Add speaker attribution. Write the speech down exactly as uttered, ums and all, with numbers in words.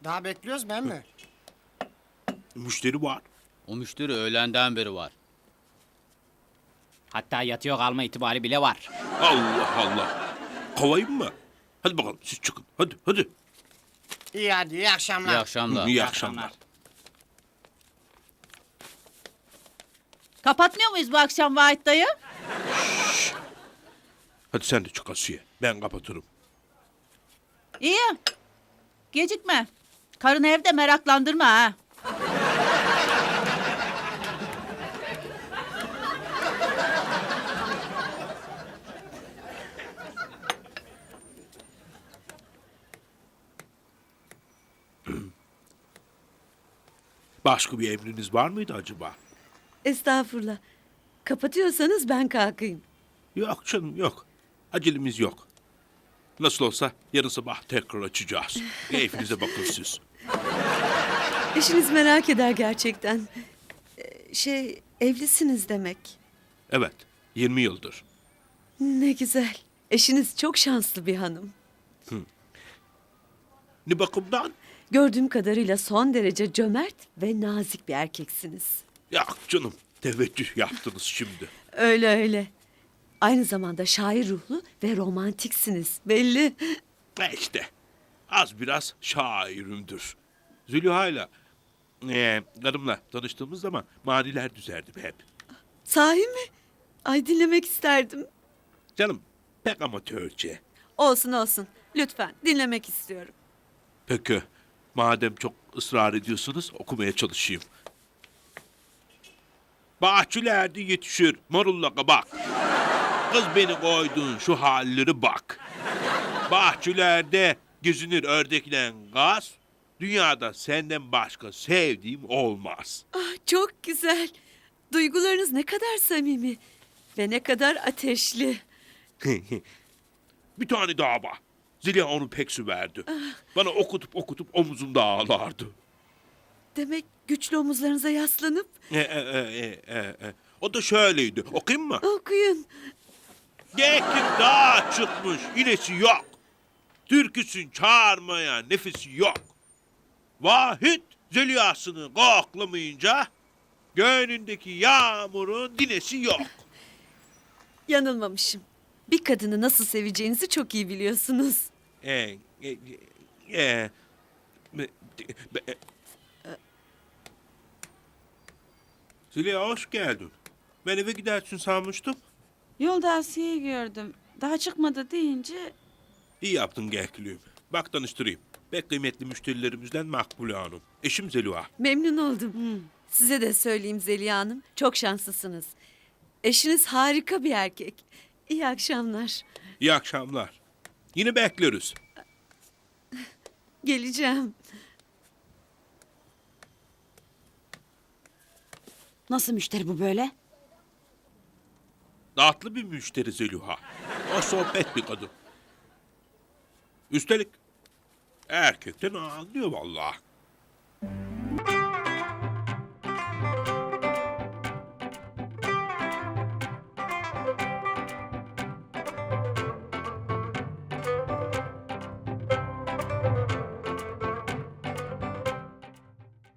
Speaker 1: Daha bekliyoruz ben mi?
Speaker 2: Müşteri var.
Speaker 3: O müşteri öğlenden beri var. Hatta yatıyor kalma ihtimali bile var.
Speaker 2: Allah Allah. Kovayım mı? Hadi bakalım siz çıkın. Hadi hadi.
Speaker 1: İyi hadi iyi akşamlar.
Speaker 3: İyi akşamlar.
Speaker 2: İyi akşamlar.
Speaker 4: Kapatmıyor muyuz bu akşam Vahit dayı?
Speaker 2: Hadi sen de çık Asiye. Ben kapatırım.
Speaker 4: İyi. Gecikme. Karını evde meraklandırma ha.
Speaker 2: Başka bir emriniz var mıydı acaba?
Speaker 5: Estağfurullah. Kapatıyorsanız ben kalkayım.
Speaker 2: Yok canım yok. Acelemiz yok. Nasıl olsa yarın sabah tekrar açacağız. Keyfinize bakın siz.
Speaker 5: Eşiniz merak eder gerçekten. Ee, Şey, evlisiniz demek.
Speaker 2: Evet, yirmi yıldır.
Speaker 5: Ne güzel. Eşiniz çok şanslı bir hanım.
Speaker 2: Ne bakımdan?
Speaker 5: Gördüğüm kadarıyla son derece cömert ve nazik bir erkeksiniz.
Speaker 2: Yok canım, teveccüh yaptınız şimdi.
Speaker 5: Öyle öyle. Aynı zamanda şair ruhlu ve romantiksiniz belli.
Speaker 2: E işte, az biraz şairimdir. Zülüha'yla, e, karımla tanıştığımız zaman maniler düzerdim hep.
Speaker 5: Sahi mi? Ay dinlemek isterdim.
Speaker 2: Canım, pek amatörce.
Speaker 5: Olsun olsun. Lütfen dinlemek istiyorum.
Speaker 2: Peki, madem çok ısrar ediyorsunuz okumaya çalışayım. Bahçelerde yetişir marulla kabak. Kız beni koyduğun şu halleri bak. Bahçelerde gezinir ördekle gaz. Dünyada senden başka sevdiğim olmaz.
Speaker 5: Ah, çok güzel. Duygularınız ne kadar samimi ve ne kadar ateşli.
Speaker 2: Bir tane daha var. Zeliha onu pek süverdi. Bana okutup okutup omuzumda ağlardı.
Speaker 5: Demek güçlü omuzlarınıza yaslanıp
Speaker 2: E, e, e, e, e, e. O da şöyleydi. Okuyayım mı?
Speaker 5: okuyun.
Speaker 2: Gekik dağa çıkmış, inesi yok. Türküsün çağırmaya nefesi yok. Vahit zelihasını koklamayınca göğnündeki yağmurun dinesi yok.
Speaker 5: Yanılmamışım. Bir kadını nasıl seveceğinizi çok iyi biliyorsunuz.
Speaker 2: E, e, e, e, be- be- Zeliha hoş geldin. Ben eve gidersin sanmıştım.
Speaker 6: Yolda Asiye'yi gördüm. Daha çıkmadı deyince
Speaker 2: İyi yaptın Gekliğim. Bak tanıştırayım. Pek kıymetli müşterilerimizden Makbule Hanım. Eşim Zeliha.
Speaker 5: Memnun oldum. Size de söyleyeyim Zeliha Hanım. Çok şanslısınız. Eşiniz harika bir erkek. İyi akşamlar.
Speaker 2: İyi akşamlar. Yine bekleriz.
Speaker 5: Geleceğim.
Speaker 6: nasıl müşteri bu böyle?
Speaker 2: Tatlı bir müşteri Zeliha. O sohbet bir kadın. Üstelik erkekten anlıyor vallahi.